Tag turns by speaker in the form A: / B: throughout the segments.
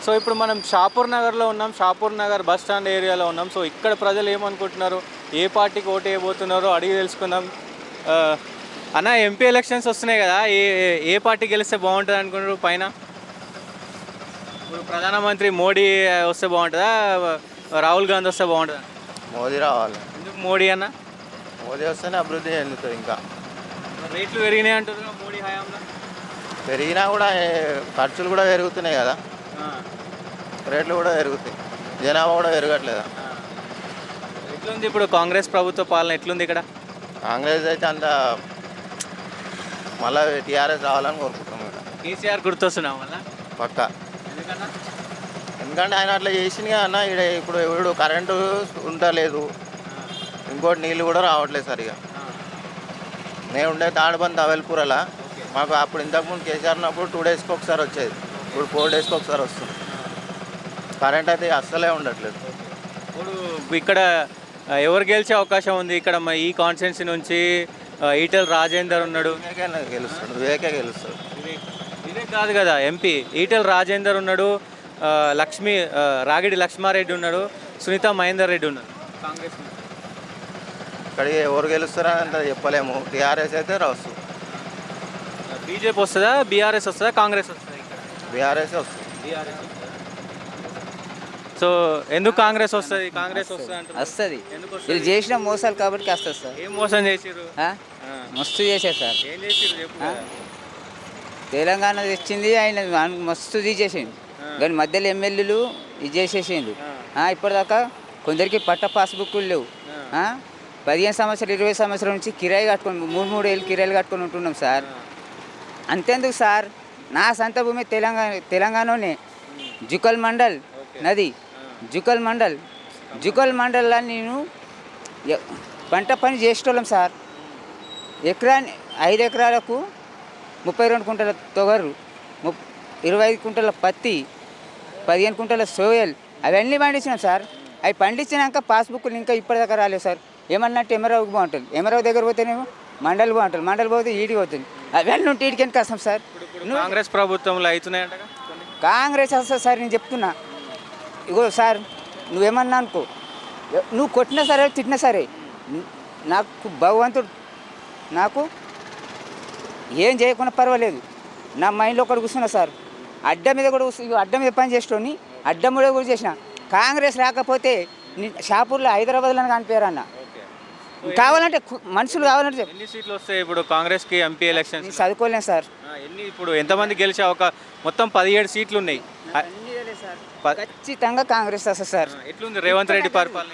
A: So ఇప్పుడు మనం షాపూర్ నగర్లో ఉన్నాం. షాపూర్ నగర్ బస్ స్టాండ్ ఏరియాలో ఉన్నాం. సో ఇక్కడ ప్రజలు ఏమనుకుంటున్నారు, ఏ పార్టీకి ఓటు వేయబోతున్నారో అడిగి తెలుసుకుందాం. ఆ, అన్న, ఎంపీ ఎలక్షన్స్ వస్తున్నాయి కదా, ఏ ఏ పార్టీ గెలిస్తే బాగుంటుంది అనుకుంటారు? పైన ఇప్పుడు ప్రధానమంత్రి మోడీ వస్తే బాగుంటుందా, రాహుల్ గాంధీ వస్తే బాగుంటుందా?
B: మోదీ రావాలి.
A: ఎందుకు మోడీ అన్న?
B: మోదీ వస్తేనే అభివృద్ధి చెందుతుంది. ఇంకా
A: రేట్లు పెరిగినాయి అంటారు మోడీ హయాంలో.
B: పెరిగినా కూడా ఖర్చులు కూడా పెరుగుతున్నాయి కదా, రేట్లు కూడా పెరుగుతాయి, జనాభా కూడా పెరగట్లేదా.
A: ఎట్లుంది ఇప్పుడు కాంగ్రెస్ ప్రభుత్వ పాలన, ఎట్లుంది ఇక్కడ?
B: కాంగ్రెస్ అయితే అంత మళ్ళీ టీఆర్ఎస్ రావాలని కోరుకుంటున్నాం. ఇక్కడ
A: కేసీఆర్ గుర్తొస్తున్నాం వల్ల
B: పక్క.
A: ఎందుకన్నా?
B: ఎందుకంటే ఆయన అట్లా చేసింది అన్న. ఇక్కడ ఇప్పుడు కరెంటు ఉండలేదు, ఇంకోటి నీళ్ళు కూడా రావట్లేదు సరిగా. నేను ఉండే తాడుబంద్ అవెల్పూరలా, మాకు అప్పుడు ఇంతకుముందు కేసీఆర్ ఉన్నప్పుడు 2 డేస్కి ఒకసారి వచ్చేది, ఇప్పుడు 4 డేస్కి ఒకసారి వస్తుంది. కరెంట్ అయితే అస్సలే ఉండట్లేదు.
A: ఇప్పుడు ఇక్కడ ఎవరు గెలిచే అవకాశం ఉంది ఇక్కడ ఈ కాన్స్టిట్యున్సీ నుంచి? ఈటెల రాజేందర్ ఉన్నాడు.
B: గెలుస్తాడు, వివేకే గెలుస్తాడు.
A: వివేక్ కాదు కదా ఎంపీ, ఈటెల రాజేందర్ ఉన్నాడు, రాగిడి లక్ష్మారెడ్డి ఉన్నాడు, సునీత మహేందర్ రెడ్డి ఉన్నాడు కాంగ్రెస్ నుంచి.
B: ఇక్కడికి ఎవరు గెలుస్తారని అంత చెప్పలేము. టీఆర్ఎస్ అయితే రావచ్చు.
A: బీజేపీ వస్తుందా, బీఆర్ఎస్ వస్తుందా, కాంగ్రెస్ వస్తుందా? ఇక్కడ
B: బీఆర్ఎస్ వస్తుంది.
A: బీఆర్ఎస్. సో ఎందుకు కాంగ్రెస్ వస్తుంది? కాంగ్రెస్
C: వస్తుంది. వీళ్ళు చేసిన మోసాలు కాబట్టి వస్తుంది సార్.
A: ఏం మోసం చేసిర్రు?
C: మస్తు చేశారు సార్.
A: ఏం చేసిర్రు చెప్పు.
C: తెలంగాణ తెచ్చింది ఆయన మస్తు తీసేసిండు, కానీ మధ్యలో ఎమ్మెల్యేలు ఇది చేసేసిండు. ఇప్పటిదాకా కొందరికి పట్ట పాస్బుక్లు లేవు. 15 సంవత్సరాలు 20 సంవత్సరాల నుంచి కిరాయి కట్టుకొని 3 ఏళ్ళు కిరాయిలు కట్టుకొని ఉంటున్నాం సార్. అంతేందుకు సార్, నా సొంత భూమి తెలంగాణలోనే జుకల్ మండల్ నది, జుకల్ మండల్లో నేను పంట పని చేసేటోళ్ళం సార్. 5 ఎకరాలకు 32 కుంటల తొగరు, 25 కుంటల పత్తి, 15 కుంటల సోయల్ అవన్నీ పండించినాం సార్. అవి పండించినాక పాస్బుక్లు ఇంకా ఇప్పటిదాకా రాలేదు సార్. ఏమన్నట్టు ఎమరావుకి బాగుంటుంది, ఎమరావు దగ్గర పోతేనేమో మండలి బాగుంటుంది, మండలి పోతే ఈడికి పోతుంది. అవన్నీ ఉంటే ఈడికి ఎంత కష్టం సార్.
A: కాంగ్రెస్ ప్రభుత్వంలో అవుతున్నాయంట.
C: కాంగ్రెస్ వస్తుంది సార్, నేను చెప్తున్నా. ఇగో సార్, నువ్వేమన్నా అనుకో, నువ్వు కొట్టినా సరే తిట్టినా సరే, నాకు భగవంతుడు నాకు ఏం చేయకుండా పర్వాలేదు. నా మైండ్లో ఒకటి కూర్చున్నా సార్, అడ్డ మీద కూడా అడ్డ మీద పని చేసేటోని అడ్డం కూడా చేసిన. కాంగ్రెస్ రాకపోతే షాపూర్లో హైదరాబాద్లో కనిపించారు అన్న. కావాలంటే మనుషులు కావాలంటే
A: ఎన్ని సీట్లు వస్తాయి ఇప్పుడు కాంగ్రెస్కి ఎంపీ ఎలక్షన్?
C: చదువుకోలేను సార్.
A: ఇప్పుడు ఎంతమంది గెలిచే మొత్తం 17 సీట్లు ఉన్నాయి.
C: ఖచ్చితంగా కాంగ్రెస్ వస్తుంది సార్.
A: ఎట్లుంది రేవంత్ రెడ్డి పరిపాలన?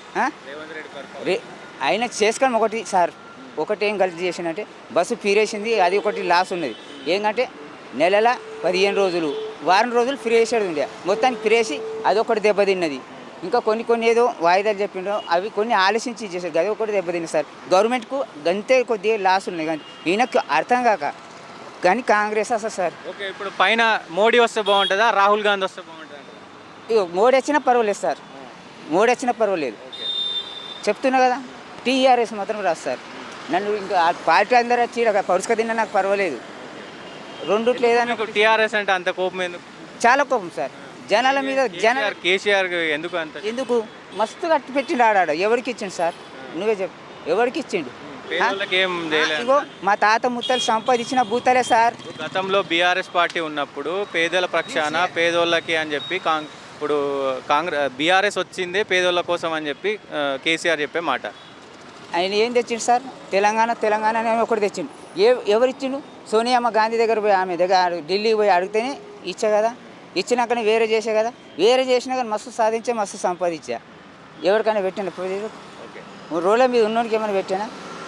C: ఆయన చేసుకొని ఒకటి సార్, ఒకటి ఏం గల్తీ చేసిందంటే బస్సు ఫీరేసింది, అది ఒకటి లాస్ ఉన్నది. ఏంటంటే నెలల 15 రోజులు, వారం రోజులు ఫ్రీ వేసేది ఉండే, మొత్తానికి ఫిరేసి అదొకటి దెబ్బతిన్నది. ఇంకా కొన్ని ఏదో వాయిదాలు చెప్పిండో అవి కొన్ని ఆలోచించి చేశారు, అది ఒకటి దెబ్బతిన్నది సార్. గవర్నమెంట్కు గంతే కొద్దిగా లాస్ ఉన్నాయి, కానీ ఈయనకు అర్థం కాక కానీ కాంగ్రెస్ వస్తుంది సార్.
A: ఓకే, ఇప్పుడు పైన మోడీ వస్తే బాగుంటుందా, రాహుల్ గాంధీ వస్తే బాగుంటుందా?
C: ఇక మోడీ వచ్చినా పర్వాలేదు సార్, మోడీ వచ్చినా పర్వాలేదు చెప్తున్నా కదా. టీఆర్ఎస్ మాత్రం రాదు సార్. నన్ను ఇంకా పార్టీ అందరూ వచ్చి పరుసుక తిన్నా నాకు పర్వాలేదు. రెండుట్లు ఏదైనా
A: టీఆర్ఎస్ అంటే అంత కోపం ఎందుకు?
C: చాలా కోపం సార్ జనాల మీద.
A: కేసీఆర్ ఎందుకు
C: మస్తు కట్టి పెట్టిండు ఆడాడు. ఎవరికి ఇచ్చిండు సార్, నువ్వే చెప్పు, ఎవరికి ఇచ్చిండు? ఇగో మా తాత ముత్తలు సంపాదించిన భూతలే సార్.
A: గతంలో బీఆర్ఎస్ పార్టీ ఉన్నప్పుడు పేదల పక్షాన పేదోళ్ళకి అని చెప్పి ఇప్పుడు బీఆర్ఎస్ వచ్చిందే పేదోళ్ళ కోసం అని చెప్పి కేసీఆర్ చెప్పే మాట.
C: ఆయన ఏం తెచ్చిండు సార్? తెలంగాణ అని ఒకటి తెచ్చిండు. ఎవరు ఇచ్చిండు? సోనియమ్మ గాంధీ దగ్గర పోయి, ఆమె దగ్గర ఢిల్లీకి పోయి అడిగితేనే ఇచ్చా కదా. ఇచ్చినాకనే వేరే చేసే కదా, వేరే చేసినా కానీ మస్తు సాధించా, మస్తు సంపాదించా. ఎవరికైనా పెట్టాను రోడ్ల మీద ఉన్నోడికి ఏమైనా పెట్టానా?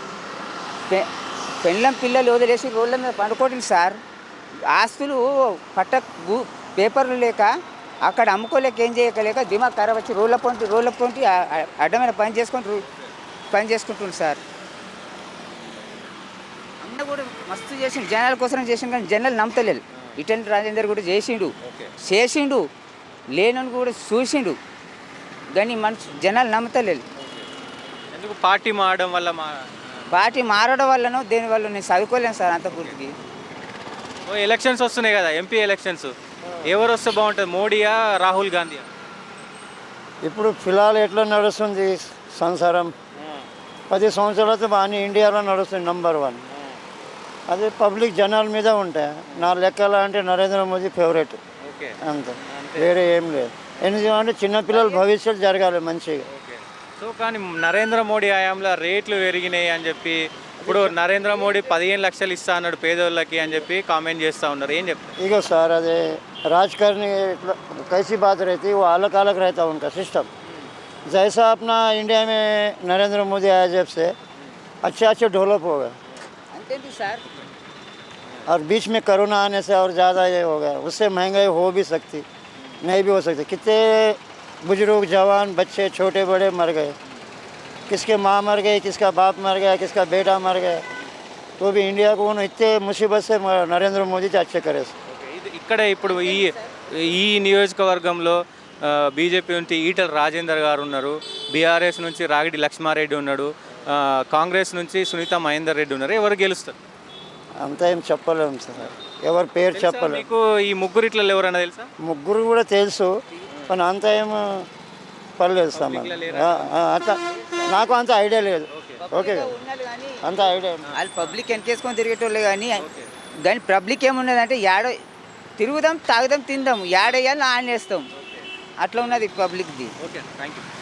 C: పెళ్ళం పిల్లలు వదిలేసి రోడ్ల మీద పండుకోవట్లేదు సార్. ఆస్తులు పేపర్లు లేక అక్కడ అమ్ముకోలేక ఏం చేయలేక దిమాగ్ ఖరాబ్ వచ్చి రోడ్ల పొంటి అడ్డమైన పని చేసుకుంటుంది సార్. అన్న కూడా మస్తు చేసిండు, జనాల కోసం చేసిండు, కానీ జనాలు నమ్మతలేదు. ఈటెల రాజేందర్ కూడా చేసిండు, లేనని కూడా చూసిండు, కానీ జనాలు నమ్మతలేదు.
A: ఎందుకు? పార్టీ
C: మారడం వల్లనో దేనివల్ల నేను చదువుకోలేను సార్ అంత పూర్తికి.
A: ఎలక్షన్స్ వస్తున్నాయి కదా, ఎంపీ ఎలక్షన్స్. ఎవరు వస్తే బాగుంటుంది, మోడీయా రాహుల్ గాంధీయా?
D: ఇప్పుడు ఫిలాల్ ఎట్లా నడుస్తుంది సంసారం 10 సంవత్సరాలతో బాగానే ఇండియాలో నడుస్తుంది #1. అది పబ్లిక్ జనాల మీద ఉంటాయి. నా లెక్కల అంటే నరేంద్ర మోదీ ఫేవరెట్
A: ఓకే
D: అంతే, వేరే ఏం లేదు. ఎందుకంటే చిన్నపిల్లల భవిష్యత్తు జరగాలి మంచిగా.
A: ఓకే. సో కానీ నరేంద్ర మోడీ హయాంలో రేట్లు పెరిగినాయి అని చెప్పి, ఇప్పుడు నరేంద్ర మోడీ 15 లక్షలు ఇస్తా అన్నాడు పేదోళ్ళకి అని చెప్పి కామెంట్ చేస్తూ ఉన్నారు, ఏం చెప్తారు?
D: इको सर अरे राजकारणी कैसी बात रहती है, वो अलग अलग रहता है उनका सिस्टम. जैसा अपना इंडिया में नरेंद्र मोदी आया जब से अच्छे डेवलप हो गए,
C: అంతేందుకు సార్?
D: और बीच में कोरोना आने से और ज़्यादा ये हो गया. उससे महंगाई हो भी सकती, नहीं भी हो सकती. कितने बुजुर्ग जवान बच्चे छोटे बड़े मर गए, किसके माँ मर गई, किसका बाप मर गया, किसका बेटा मर गया. तो भी इंडिया को उन्होंने इतने मुसीबत से नरेंद्र मोदी जी अच्छे करे.
A: ఇక్కడ ఇప్పుడు ఈ నియోజకవర్గంలో బీజేపీ నుంచి ఈటల రాజేందర్ గారు ఉన్నారు, బీఆర్ఎస్ నుంచి రాగిడి లక్ష్మారెడ్డి ఉన్నాడు, కాంగ్రెస్ నుంచి సునీత మహేందర్ రెడ్డి ఉన్నారు. ఎవరు గెలుస్తారు?
D: అంతా ఏం చెప్పలేము సార్, ఎవరి పేరు చెప్పలేము.
A: మీకు ఈ ముగ్గురిట్లలో ఎవరన్నా తెలుసా?
D: ముగ్గురు కూడా తెలుసు, కానీ అంత ఏం పర్లేదు సార్. అంత నాకు అంత ఐడియా లేదు. ఓకే కదా,
C: ఉన్నది కానీ
D: అంత ఐడియా.
C: వాళ్ళు పబ్లిక్ వెనకేసుకొని తిరిగేటోళ్ళే కానీ పబ్లిక్ ఏమున్నదంటే యాడో తిరుగుదాం, తాగుదాం, తిందాం, యాడేయాలి ఆనేస్తాం, అట్లా ఉన్నది పబ్లిక్ది.
A: Okay, thank you.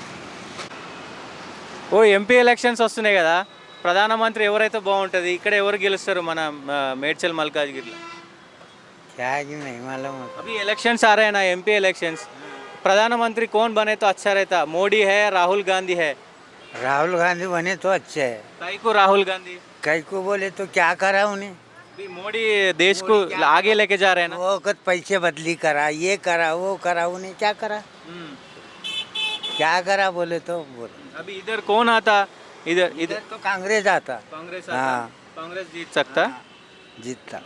A: ఓ ఎంపీ ఎలక్షన్స్ వస్తున్నాయి కదా, ప్రధానమంత్రి ఎవరైతే బాగుంటుంది, ఇక్కడ ఎవరు గెలుస్తారు మన మేడ్చల్ మల్కాజ్గిరిలో? अभी इलेक्शंस आ रहे हैं ना, एमपी इलेक्शंस. प्रधानमंत्री कौन बने तो अच्छा रहता, मोदी है राहुल गांधी है?
E: राहुल गांधी बने तो अच्छे है.
A: काहे को राहुल गांधी?
E: कई को बोले तो क्या करा उन्हें?
A: अभी मोदी देश को आगे लेके जा रहे हैं ना.
E: वो वक्त पैसे बदली करा, ये करा, वो करा, उन्हें क्या करा? क्या करा बोले तो बोले.
A: अभी इधर कौन आता? इधर
E: इधर तो कांग्रेस आता,
A: कांग्रेस
E: हाँ.
A: आता. कांग्रेस जीत सकता.
E: जीतता.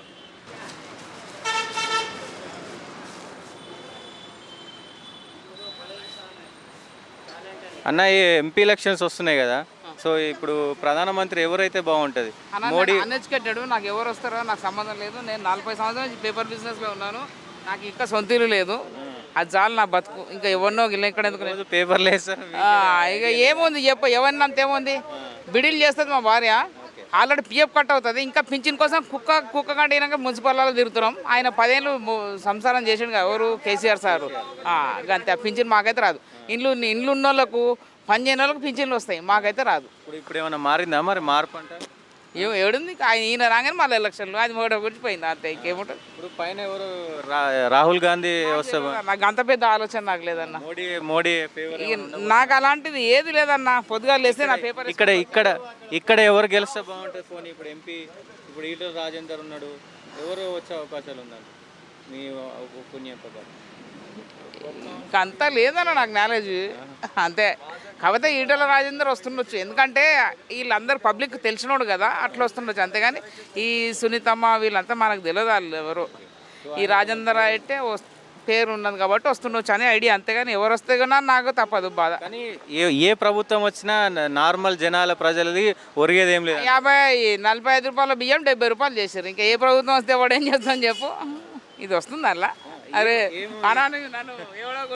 A: అన్న ఈ ఎంపీ ఎలక్షన్స్ వస్తున్నాయి కదా, సో ఇప్పుడు ప్రధానమంత్రి ఎవరైతే బాగుంటుంది? మోడీ
F: అన్ఎడ్యుకేటెడ్, నాకు ఎవరు వస్తారో నాకు సంబంధం లేదు. నేను 40 సంవత్సరాల నుంచి పేపర్ బిజినెస్లో ఉన్నాను, నాకు ఇంకా సొంత ఇల్లు లేదు. అది చాలు నా బతుకు, ఇంకా ఎవరినో ఇక్కడ ఎందుకు నేను.
A: పేపర్లు వేస్తారు.
F: ఇక ఏముంది చెప్ప, ఎవరిని అంత ఏముంది, బిడిల్ చేస్తుంది మా భార్య, ఆల్రెడీ పిఎఫ్ కట్ అవుతుంది. ఇంకా పింఛన్ కోసం కుక్క కంటే మున్సిపాల్లో తిరుగుతున్నాం. ఆయన 10 ఏళ్ళు సంసారం చేసిండు కదా, ఎవరు కేసీఆర్ సారు. అంతే, పింఛన్ మాకైతే రాదు. ఇండ్లు ఉన్న వాళ్ళకు, పని చేయని వాళ్ళకు పింఛన్లు వస్తాయి, మాకైతే రాదు.
A: ఇప్పుడు ఏమైనా మారిందా మరి, మార్పు అంటే?
F: ఏడుంది, ఈయన రాగానే మళ్ళీ ఎలక్షన్లు, అది మోడీ గురించి పోయింది అంతే, ఇంకేముంటుంది.
A: ఇప్పుడు పైన ఎవరు రాహుల్ గాంధీ వస్తే
F: నాకు అంత పెద్ద ఆలోచన నాకు లేదన్న.
A: మోడీ
F: ఇక నాకు అలాంటిది ఏది లేదన్న. పొద్దుగా లేస్తే నా పేపర్
A: ఇక్కడ ఎవరు గెలిస్తే బాగుంటుంది ఫోన్? ఇప్పుడు ఎంపీ ఇప్పుడు ఈటల రాజేందర్ ఉన్నాడు, ఎవరు వచ్చే అవకాశాలు ఉందండి మీ పుణ్యం ప్రకారం?
F: ఇంకా అంతా లేదన్న నాకు నాలెడ్జ్ అంతే. కాకపోతే ఈటల రాజేందర్ వస్తుండొచ్చు, ఎందుకంటే వీళ్ళందరూ పబ్లిక్ తెలిసినోడు కదా, అట్లా వస్తుండొచ్చు. అంతేగాని ఈ సునీతమ్మ వీళ్ళంతా మనకు తెలియదు వాళ్ళు ఎవరు. ఈ రాజేందర్ అయితే పేరు ఉన్నది కాబట్టి వస్తుండొచ్చు అనే ఐడియా, అంతేగాని ఎవరు వస్తే కూడా నాకు తప్పదు బాధ.
A: కానీ ఏ ప్రభుత్వం వచ్చినా నార్మల్ జనాల ప్రజలది ఒరిగేది ఏం లేదు.
F: 45 రూపాయల బియ్యం 70 రూపాయలు చేశారు. ఇంకా ఏ ప్రభుత్వం వస్తే వాడు ఏం చేస్తాను చెప్పు, ఇది వస్తుంది అలా. అరే నన్ను ఎవడో